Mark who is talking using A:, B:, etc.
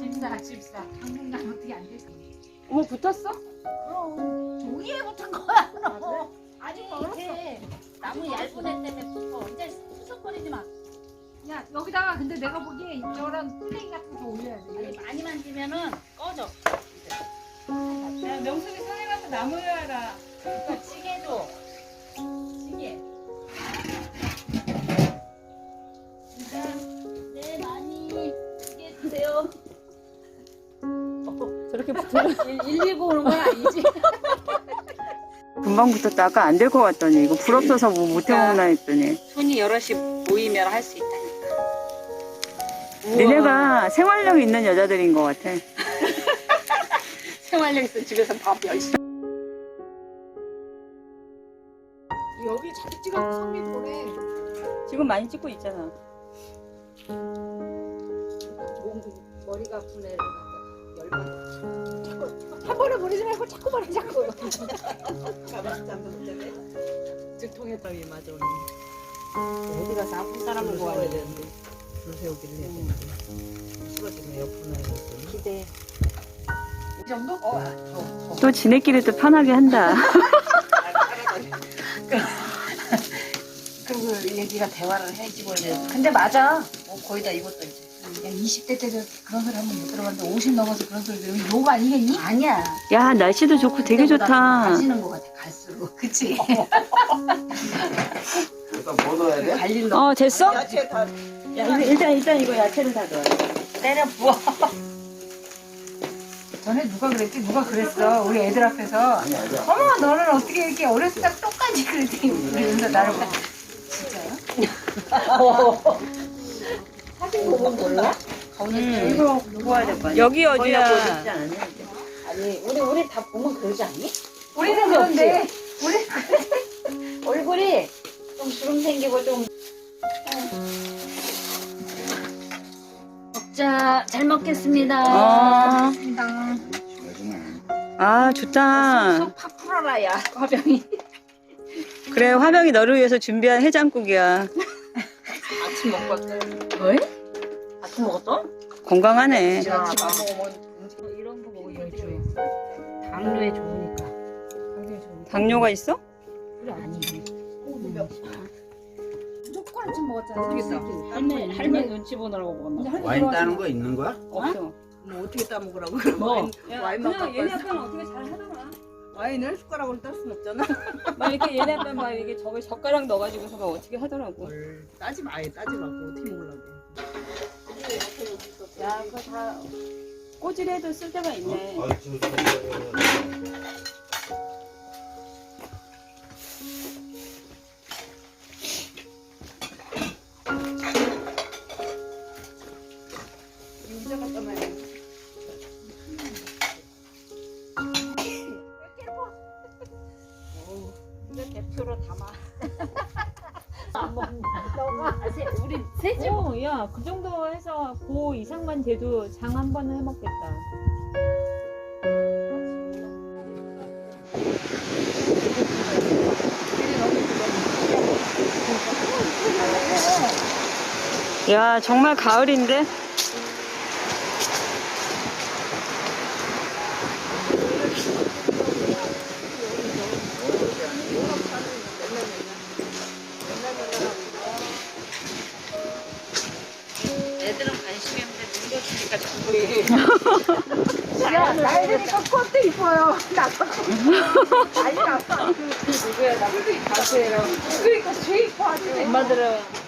A: 집사. 당분간 어떻게 안 되지?
B: 어머 붙었어?
A: 그럼 종이에 붙은 거야. 너.
C: 아니 이게 나무 얇은 애 때문에 붙어. 이제 수석거리지 마.
A: 야 여기다가 근데 내가 보기에 저런 플레이 같은 거 올려야 돼.
C: 아니 많이 만지면은 꺼져.
B: 야 명순이 산에 가서 나무 열어라.
C: 그러니까 찌개 줘. 찌개. 진짜 네 많이 찌개 주세요.
B: 저렇게 붙으면
C: 119 오는 건 아니지?
B: 금방 붙었다. 아까 안 될 것 같더니 이거 불 없어서 뭐 못 해먹나 했더니.
C: 손이 여럿이 모이면 할 수 있다니까.
B: 니네가 생활력 있는 여자들인 것 같아.
C: 생활력 있어 집에서 밥 열심히.
A: 여기 잘 찍어서 성미 보내.
B: 지금 많이 찍고 있잖아.
A: 머리가 아픈 애를 갖다 열받아. 한 번에 버리지 말고 자꾸 버려 자꾸.
D: 즉통에 따위 맞아 언니.
C: 어디 가서 아픈 사람을 구하야
D: 되는데 줄 세우기를 해야 되는데 쓰러지면 옆으로 나가서
C: 기대.
A: 이 정도?
B: 또 지네끼리 또 편하게 한다.
C: 그리고 얘기가 대화를 해야지 원래. 근데 맞아. 거의 다 입었다 이제.
A: 야 20대 때 그런 소리 한번 못 들어봤는데 50 넘어서 그런 소리 들으면 욕 아니겠니?
C: 아니야.
B: 야 날씨도 좋고 되게 좋다.
C: 가지는 것 같아 갈수록. 그치?
E: 일단 뭐 넣어야 돼?
C: 갈 일로.
B: 됐어?
D: 야채 다
B: 야, 일단 이거 야채를 다 넣어.
C: 때려 부어.
A: 전에 누가 그랬지? 누가 그랬어? 우리 애들 앞에서.
E: 아니 아니야.
A: 어머 너는 어떻게 이렇게 어렸을 때 똑같이 그랬지? 그러면서 나를 봐. 진짜요?
C: 사진 보면 몰라?
B: 이거 구워야 될 거야. 여기 어디야?
C: 아니 우리 다 보면 그러지 않니?
A: 우리는 그런데 우리
C: 얼굴이 좀 주름 생기고 좀. 먹자. 잘 먹겠습니다.
A: 맞습니다.
B: 아 좋다.
C: 속 팍 풀어라야 화병이.
B: 그래 화명이 너를 위해서 준비한 해장국이야.
D: 아침 먹고 왔어요.
C: 왜? 아침 먹었어?
B: 건강하네.
D: 아침 안 먹으면
C: 이런 거 먹으면 당뇨에 좋으니까.
B: 당뇨가 있어?
C: 그래 아니.
A: 무조건 아침 먹었잖아.
D: 모르겠다.
C: 할매 눈치 보느라고 먹었나?
E: 와인 따는 거 있는 거야?
B: 없어.
D: 뭐 어떻게 따먹으라고 그럼
C: 뭐?
D: 와인만 갖고 왔어.
B: 어떻게 잘 하더라.
D: 와인을 숟가락으로 딸 순 없잖아.
B: 막 이렇게 얘네 아빠 막 이게 저기 젓가락 넣어가지고서 막 어떻게 하더라고.
D: 뭘 따지 마, 아예 따지 말고 어떻게 먹으려고.
B: 야 그거 다 꼬질해도 쓸 데가 있네.
D: 유자 갖다 놔야 돼.
C: 이거 대표로 담아. 안 먹는 우리 셋이
F: 야, 그 정도 해서 고 이상만 돼도 장 한 번은 해먹겠다.
B: 야 정말 가을인데.
C: 애들은 관심이 없는데 늙어지니까 자꾸
A: 야 나이 드니까 꽃도 이뻐요. 나도. 아니 아빠.
C: 누구야 나
A: 그러니까 죄 이뻐 아주.
C: 엄마들은